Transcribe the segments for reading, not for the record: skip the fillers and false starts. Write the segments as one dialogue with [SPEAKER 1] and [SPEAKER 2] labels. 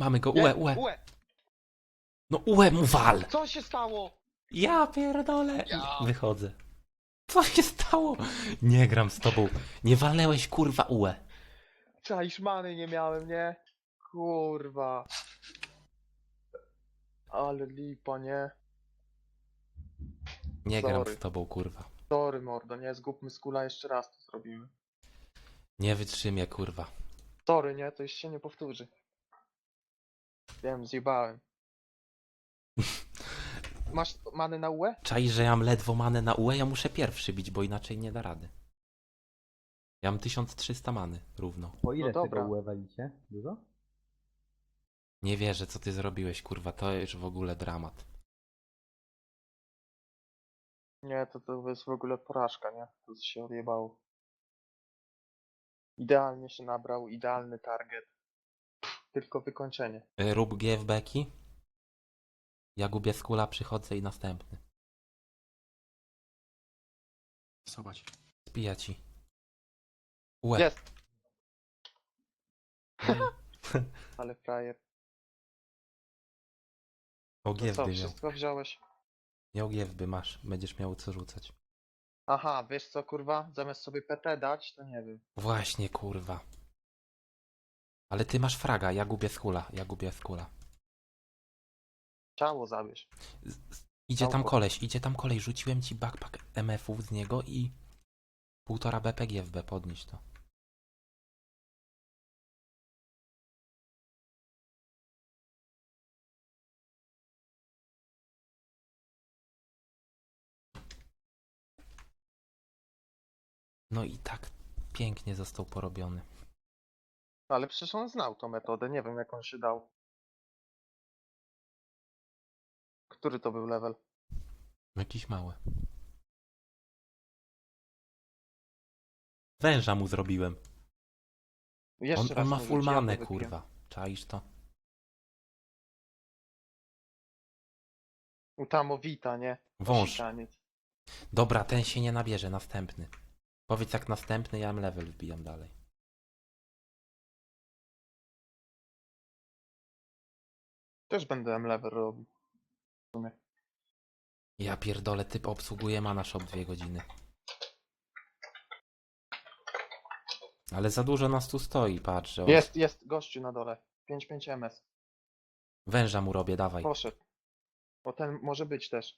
[SPEAKER 1] Mamy go,
[SPEAKER 2] Nie,
[SPEAKER 1] UE. No UE mu wal!
[SPEAKER 2] Co się stało?
[SPEAKER 1] Ja pierdolę!
[SPEAKER 2] Ja.
[SPEAKER 1] Wychodzę. Co się stało? Nie gram z tobą. Nie walnęłeś kurwa UE.
[SPEAKER 2] Czaisz, many nie miałem, nie? Kurwa. Ale lipa, nie?
[SPEAKER 1] Nie gram
[SPEAKER 2] Sorry.
[SPEAKER 1] z tobą kurwa.
[SPEAKER 2] Sorry, mordo, nie? Zgubmy skula, jeszcze raz to zrobimy.
[SPEAKER 1] Nie wytrzymię kurwa.
[SPEAKER 2] Sorry, nie? To już się nie powtórzy. Wiem, zjebałem. Masz many na UE?
[SPEAKER 1] Czaisz, że ja mam ledwo manę na UE, ja muszę pierwszy bić, bo inaczej nie da rady. Ja mam 1300 many równo.
[SPEAKER 3] Po ile
[SPEAKER 2] No
[SPEAKER 3] tego
[SPEAKER 2] dobra.
[SPEAKER 3] UE walicie? Dużo?
[SPEAKER 1] Nie wierzę, co ty zrobiłeś kurwa, to już w ogóle dramat.
[SPEAKER 2] Nie, to jest w ogóle porażka, nie? To się odjebało. Idealnie się nabrał, idealny target. Tylko wykończenie.
[SPEAKER 1] Rób GFB-ki. Ja gubię skula, przychodzę i następny.
[SPEAKER 4] Zobacz.
[SPEAKER 1] Spija ci. UE.
[SPEAKER 2] Jest! Ale frajer.
[SPEAKER 1] O
[SPEAKER 2] To co,
[SPEAKER 1] GFB miał.
[SPEAKER 2] wszystko wziąłeś?
[SPEAKER 1] Miał GFB, masz. Będziesz miał co rzucać.
[SPEAKER 2] Aha, wiesz co, kurwa? Zamiast sobie PT dać, to nie wiem.
[SPEAKER 1] Właśnie kurwa. Ale ty masz fraga, ja gubię skula. Ja gubię skula.
[SPEAKER 2] Ciało zabierz.
[SPEAKER 1] Idzie tam koleś, rzuciłem ci backpack MF-ów z niego i 1,5 BP GFB, podnieś to. No i tak pięknie został porobiony.
[SPEAKER 2] Ale przecież on znał tą metodę, nie wiem jak on się dał. Który to był level?
[SPEAKER 1] Jakiś mały. Węża mu zrobiłem.
[SPEAKER 2] Jeszcze
[SPEAKER 1] On
[SPEAKER 2] raz
[SPEAKER 1] ma
[SPEAKER 2] mu
[SPEAKER 1] full
[SPEAKER 2] rzuć, ja to
[SPEAKER 1] manę,
[SPEAKER 2] wypiję.
[SPEAKER 1] kurwa. Czaisz to?
[SPEAKER 2] Utamowita, nie?
[SPEAKER 1] Wąż.
[SPEAKER 2] Osikaniec.
[SPEAKER 1] Dobra, ten się nie nabierze, następny. Powiedz jak następny, ja level wbijam dalej.
[SPEAKER 2] Też będę level robił. W sumie.
[SPEAKER 1] Ja pierdolę, typ obsługuje mana shop 2 godziny. Ale za dużo nas tu stoi, patrz, że on...
[SPEAKER 2] Jest gościu na dole. 5-5 MS.
[SPEAKER 1] Węża mu robię, dawaj.
[SPEAKER 2] Poszedł. Bo ten może być też.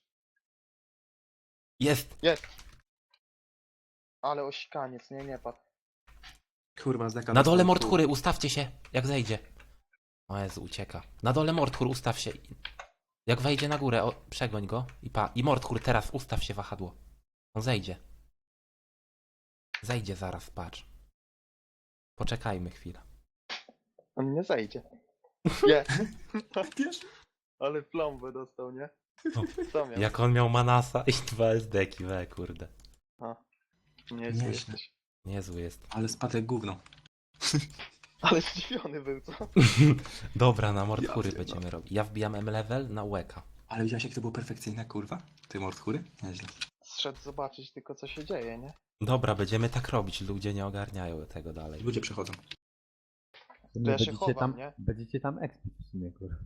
[SPEAKER 1] Jest!
[SPEAKER 2] Jest! Ale osikaniec, nie padł.
[SPEAKER 4] Kurwa, z deka
[SPEAKER 1] Na dole
[SPEAKER 4] dostałem
[SPEAKER 1] Mordhury, ustawcie się, jak zejdzie. O Jezu, ucieka. Na dole Mordhur, ustaw się. Jak wejdzie na górę, przegoń go i Mordhur, teraz ustaw się wahadło. On zejdzie. Zejdzie zaraz, patrz. Poczekajmy chwilę.
[SPEAKER 2] On nie zejdzie. Jest!
[SPEAKER 4] Wiesz?
[SPEAKER 2] Ale plombę dostał, nie?
[SPEAKER 1] O,
[SPEAKER 2] Co miał?
[SPEAKER 1] Jak on miał Manasa i 2 SD-ki, kurde.
[SPEAKER 2] Niezły
[SPEAKER 4] Nieźle.
[SPEAKER 2] jesteś.
[SPEAKER 1] Niezły jest.
[SPEAKER 4] Ale spadek gówno.
[SPEAKER 2] Ale zdziwiony był, co?
[SPEAKER 1] Dobra, na Mordhury
[SPEAKER 4] Ja pierdolę.
[SPEAKER 1] będziemy robić. Ja wbijam M-level na łeka.
[SPEAKER 4] Ale widziałeś jak to było perfekcyjne, kurwa? Ty mordchury? Nieźle.
[SPEAKER 2] Zszedł zobaczyć tylko co się dzieje, nie?
[SPEAKER 1] Dobra, będziemy tak robić, ludzie nie ogarniają tego dalej.
[SPEAKER 4] Ludzie przechodzą.
[SPEAKER 3] W sumie
[SPEAKER 2] To ja się
[SPEAKER 3] będziecie
[SPEAKER 2] chowam,
[SPEAKER 3] tam,
[SPEAKER 2] nie?
[SPEAKER 3] będziecie tam expić w sumie, kurwa.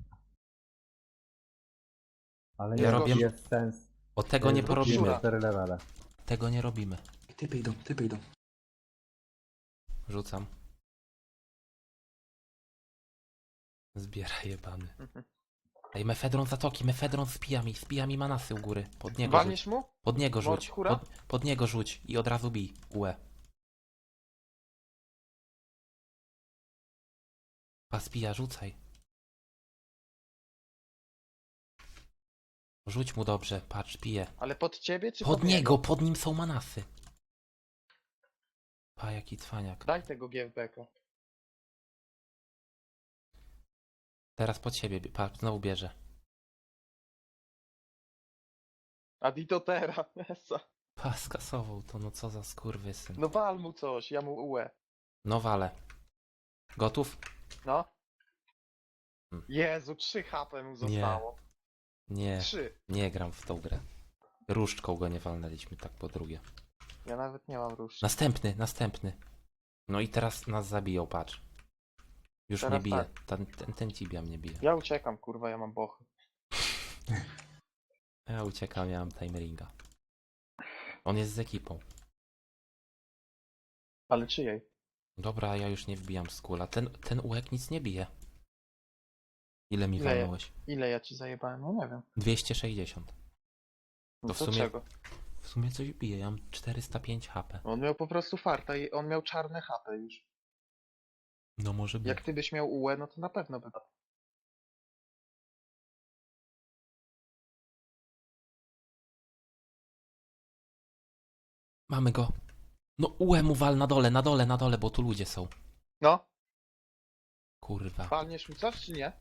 [SPEAKER 3] Ale
[SPEAKER 1] Ja
[SPEAKER 3] nie,
[SPEAKER 1] robię-
[SPEAKER 3] jest sens.
[SPEAKER 1] O tego nie
[SPEAKER 2] Zrób
[SPEAKER 1] porobimy.
[SPEAKER 2] szura.
[SPEAKER 3] 4 levele.
[SPEAKER 1] Tego nie robimy.
[SPEAKER 4] Typy idą, typy idą.
[SPEAKER 1] Rzucam. Zbieraj jebany.
[SPEAKER 2] Mhm.
[SPEAKER 1] Ej, mefedron zatoki, mefedron spija mi manasy u góry. Pod niego
[SPEAKER 2] Walniesz
[SPEAKER 1] rzuć.
[SPEAKER 2] mu?
[SPEAKER 1] Pod niego rzuć.
[SPEAKER 2] Mordhura?
[SPEAKER 1] Pod niego rzuć i od razu bij. UE. Paspija, rzucaj. Rzuć mu dobrze, patrz, pije.
[SPEAKER 2] Ale pod ciebie czy
[SPEAKER 1] Pod niego, pod nim są manasy. Pa, jaki cwaniak.
[SPEAKER 2] Daj tego GFB-ka.
[SPEAKER 1] Teraz pod siebie, patrz, znowu bierze.
[SPEAKER 2] Aditotera, Esa.
[SPEAKER 1] Pa, skasował to, no co za skurwysyn.
[SPEAKER 2] No wal mu coś, ja mu UE.
[SPEAKER 1] No wale. Gotów?
[SPEAKER 2] No.
[SPEAKER 1] Hmm.
[SPEAKER 2] Jezu, 3 HP mu zostało.
[SPEAKER 1] Nie,
[SPEAKER 2] 3.
[SPEAKER 1] nie gram w tą grę. Różdżką go nie walnęliśmy, tak po drugie.
[SPEAKER 2] Ja nawet nie mam róż.
[SPEAKER 1] Następny. No i teraz nas zabiją, patrz. Już
[SPEAKER 2] Teraz
[SPEAKER 1] mnie bije.
[SPEAKER 2] tak.
[SPEAKER 1] Ten Tibia mnie bije.
[SPEAKER 2] Ja uciekam, kurwa, ja mam bochy.
[SPEAKER 1] Ja uciekam, ja mam timeringa. On jest z ekipą.
[SPEAKER 2] Ale czyjej?
[SPEAKER 1] Dobra, ja już nie wbijam z kula. Ten ułek nic nie bije. Ile mi
[SPEAKER 2] Ile je-
[SPEAKER 1] walnąłeś?
[SPEAKER 2] Ile ja ci zajebałem? No nie wiem.
[SPEAKER 1] 260.
[SPEAKER 2] No
[SPEAKER 1] To w
[SPEAKER 2] to
[SPEAKER 1] sumie-
[SPEAKER 2] czego?
[SPEAKER 1] W sumie coś bije, ja mam 405 HP.
[SPEAKER 2] On miał po prostu farta i on miał czarne HP już.
[SPEAKER 1] No może być.
[SPEAKER 2] Jak ty byś miał UE, no to na pewno by.
[SPEAKER 1] Mamy go. No mu wal na dole, bo tu ludzie są.
[SPEAKER 2] No,
[SPEAKER 1] Kurwa.
[SPEAKER 2] palniesz mi coś czy nie?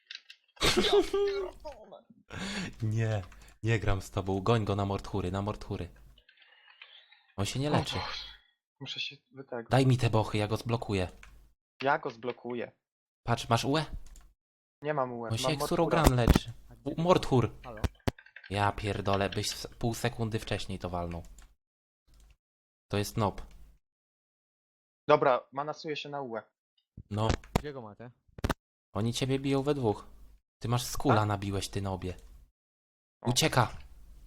[SPEAKER 1] Nie, nie gram z tobą. Goń go na Mordhury. On się nie leczy.
[SPEAKER 2] Muszę się wytego.
[SPEAKER 1] Daj mi te bochy, ja go zblokuję.
[SPEAKER 2] Ja go zblokuję.
[SPEAKER 1] Patrz, masz UE?
[SPEAKER 2] Nie mam UE.
[SPEAKER 1] No się
[SPEAKER 2] mam
[SPEAKER 1] Exurogran
[SPEAKER 2] Mordhura.
[SPEAKER 1] leczy.
[SPEAKER 3] A gdzie-
[SPEAKER 1] Mordhur.
[SPEAKER 3] Halo?
[SPEAKER 1] Ja pierdolę, byś pół sekundy wcześniej to walnął. To jest nob.
[SPEAKER 2] Dobra, manasuję się na UE.
[SPEAKER 1] No,
[SPEAKER 3] Gdzie go macie?
[SPEAKER 1] oni ciebie biją we dwóch. Ty masz skula
[SPEAKER 2] Tak?
[SPEAKER 1] nabiłeś, ty nobie.
[SPEAKER 2] O.
[SPEAKER 1] Ucieka!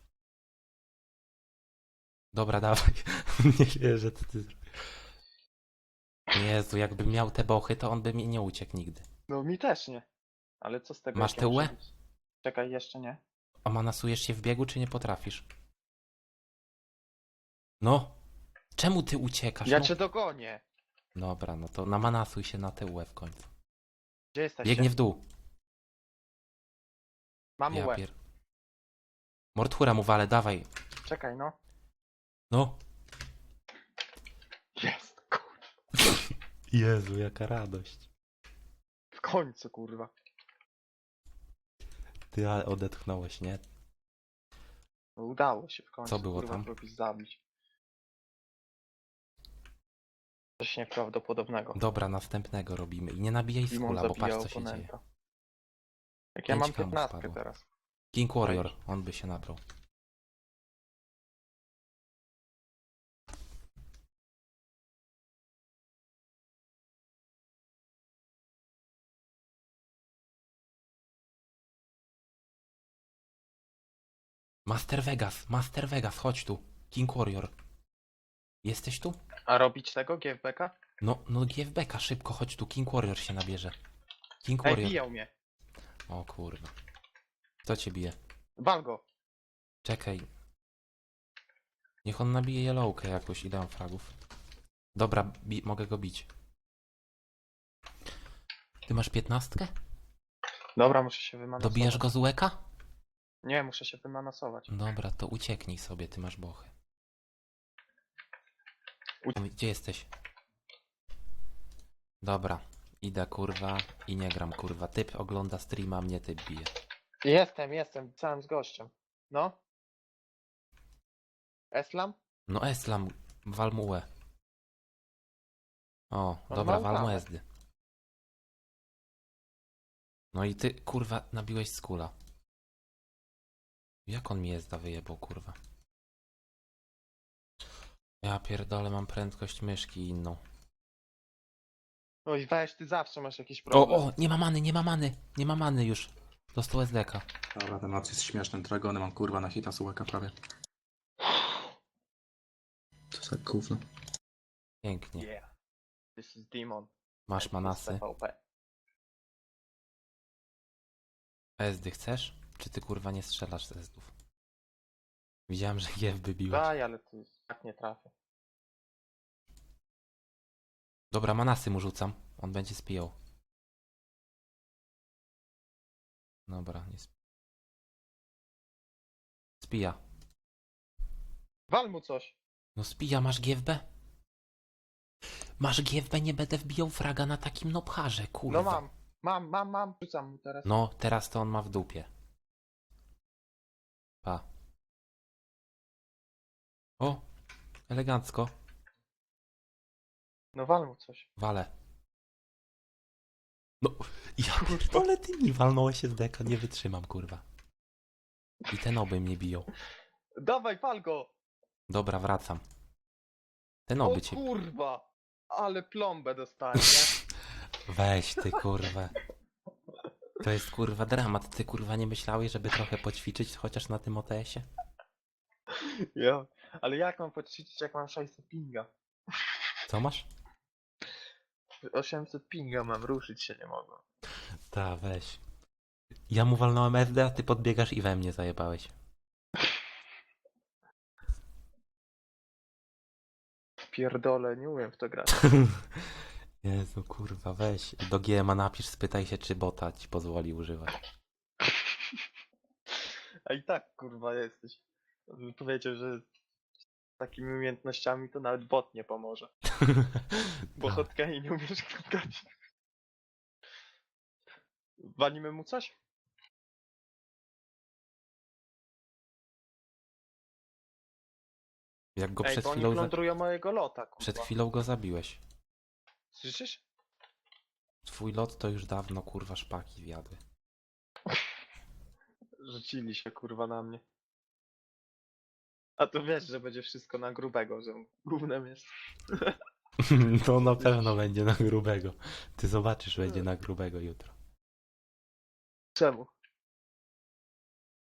[SPEAKER 1] Dobra, dawaj. Nie wierzę, co ty zrobisz. Jezu, jakbym miał te bochy, to on by mi nie uciekł nigdy.
[SPEAKER 2] No mi też nie. Ale co z tego?
[SPEAKER 1] Masz
[SPEAKER 2] jak ja
[SPEAKER 1] te
[SPEAKER 2] muszę
[SPEAKER 1] UE?
[SPEAKER 2] być- Czekaj, jeszcze nie.
[SPEAKER 1] A manasujesz się w biegu, czy nie potrafisz? No! Czemu ty uciekasz?
[SPEAKER 2] Ja
[SPEAKER 1] No.
[SPEAKER 2] cię dogonię.
[SPEAKER 1] Dobra, no to namanasuj się na TUE w końcu.
[SPEAKER 2] Gdzie jesteś?
[SPEAKER 1] Biegnie w dół.
[SPEAKER 2] Mam
[SPEAKER 1] Ja
[SPEAKER 2] UE.
[SPEAKER 1] pier... Mordhura mu wale, dawaj.
[SPEAKER 2] Czekaj, no.
[SPEAKER 1] No.
[SPEAKER 2] Jest, kurwa.
[SPEAKER 1] Jezu, jaka radość.
[SPEAKER 2] W końcu, kurwa.
[SPEAKER 1] Ty ale odetchnąłeś, nie?
[SPEAKER 2] No, udało się w końcu.
[SPEAKER 1] Co było
[SPEAKER 2] kurwa,
[SPEAKER 1] tam?
[SPEAKER 2] kogoś zabić. Coś nieprawdopodobnego.
[SPEAKER 1] Dobra, następnego robimy. I nie nabijaj
[SPEAKER 2] Dimon
[SPEAKER 1] skula, bo
[SPEAKER 2] zabija
[SPEAKER 1] patrz co się dzieje.
[SPEAKER 2] oponenta. Jak ja
[SPEAKER 1] 5
[SPEAKER 2] mam
[SPEAKER 1] kamów
[SPEAKER 2] 15
[SPEAKER 1] padło.
[SPEAKER 2] teraz.
[SPEAKER 1] King Warrior, on by się nabrał. Master Vegas, chodź tu. King Warrior. Jesteś tu?
[SPEAKER 2] A robić tego GFBK?
[SPEAKER 1] No GFBK, szybko, chodź tu. King Warrior się nabierze. King
[SPEAKER 2] Ej,
[SPEAKER 1] Warrior.
[SPEAKER 2] bijał mnie.
[SPEAKER 1] O kurwa. Kto cię bije?
[SPEAKER 2] Wal go.
[SPEAKER 1] Czekaj. Niech on nabije yellowkę jakoś i dam fragów. Dobra, mogę go bić. Ty masz 15?
[SPEAKER 2] Dobra, muszę się wymanasować.
[SPEAKER 1] Dobijasz go z łeka?
[SPEAKER 2] Nie, muszę się wymanasować.
[SPEAKER 1] Dobra, to ucieknij sobie, ty masz bochy. Gdzie jesteś? Dobra, idę kurwa i nie gram kurwa. Typ ogląda streama, mnie typ bije.
[SPEAKER 2] Jestem, całym z gościem. No. Eslam?
[SPEAKER 1] No Eslam, wal mu łe. O,
[SPEAKER 2] On
[SPEAKER 1] dobra,
[SPEAKER 2] ma
[SPEAKER 1] wal mu
[SPEAKER 2] uprawę.
[SPEAKER 1] ezdy. No i ty kurwa nabiłeś skula. Jak on mi ezda wyjebał kurwa? Ja pierdolę, mam prędkość myszki inną.
[SPEAKER 2] Oj, weź, ty zawsze masz jakiś
[SPEAKER 1] O,
[SPEAKER 2] problem.
[SPEAKER 1] nie ma many już. Dostał SDK.
[SPEAKER 4] Dobra, ten noc jest śmieszny. Dragony mam kurwa na hita sułeka prawie. Co za gówno.
[SPEAKER 1] Pięknie.
[SPEAKER 2] Yeah. This is Demon.
[SPEAKER 1] Masz manasy.
[SPEAKER 2] TVP.
[SPEAKER 1] Ezdy chcesz? Czy ty kurwa nie strzelasz z Ezdów? Widziałem, że GF biłeś.
[SPEAKER 2] Daj, ale ty tak nie trafię.
[SPEAKER 1] Dobra, manasy mu rzucam. On będzie spijał. Dobra, nie spija.
[SPEAKER 2] Wal mu coś.
[SPEAKER 1] No spija, masz GFB? Masz GFB, nie będę wbijał fraga na takim nobharze, kurwa.
[SPEAKER 2] No mam. Rzucam mu teraz.
[SPEAKER 1] No, teraz to on ma w dupie. Pa. O, elegancko.
[SPEAKER 2] No wal mu coś.
[SPEAKER 1] Wale. No, ja pierdolę, ty mi walnąłeś się z deka, nie wytrzymam, kurwa. I te noby mnie biją.
[SPEAKER 2] Dawaj, wal go.
[SPEAKER 1] Dobra, wracam. Te
[SPEAKER 2] O
[SPEAKER 1] noby cię...
[SPEAKER 2] kurwa. Ale plombę dostanie, nie?
[SPEAKER 1] Weź ty kurwa. To jest kurwa dramat. Ty kurwa nie myślałeś, żeby trochę poćwiczyć chociaż na tym OTS-ie?
[SPEAKER 2] Ja. Ale jak mam poćwiczyć, jak mam 600 pinga?
[SPEAKER 1] Co masz?
[SPEAKER 2] 800 pinga mam, ruszyć się nie mogę.
[SPEAKER 1] Ta, weź. Ja mu walnąłem SD, a ty podbiegasz i we mnie zajebałeś.
[SPEAKER 2] Pierdolę, nie umiem w to grać.
[SPEAKER 1] Jezu, kurwa, weź. Do GMA napisz, spytaj się, czy bota ci pozwoli używać.
[SPEAKER 2] A i tak kurwa jesteś. Powiedział, że z takimi umiejętnościami to nawet bot nie pomoże. Bo
[SPEAKER 1] Tak.
[SPEAKER 2] hotkey nie umiesz klikać. Walimy mu coś?
[SPEAKER 1] Jak go
[SPEAKER 2] Ej,
[SPEAKER 1] przed
[SPEAKER 2] bo oni
[SPEAKER 1] chwilą,
[SPEAKER 2] plądrują mojego lota, kurwa.
[SPEAKER 1] przed chwilą go zabiłeś.
[SPEAKER 2] Słyszysz?
[SPEAKER 1] Twój lot to już dawno, kurwa, szpaki zjadły.
[SPEAKER 2] Rzucili się kurwa na mnie. A to wiesz, że będzie wszystko na grubego, że gównem jest.
[SPEAKER 1] To na pewno będzie na grubego. Ty zobaczysz, będzie na grubego jutro.
[SPEAKER 2] Czemu?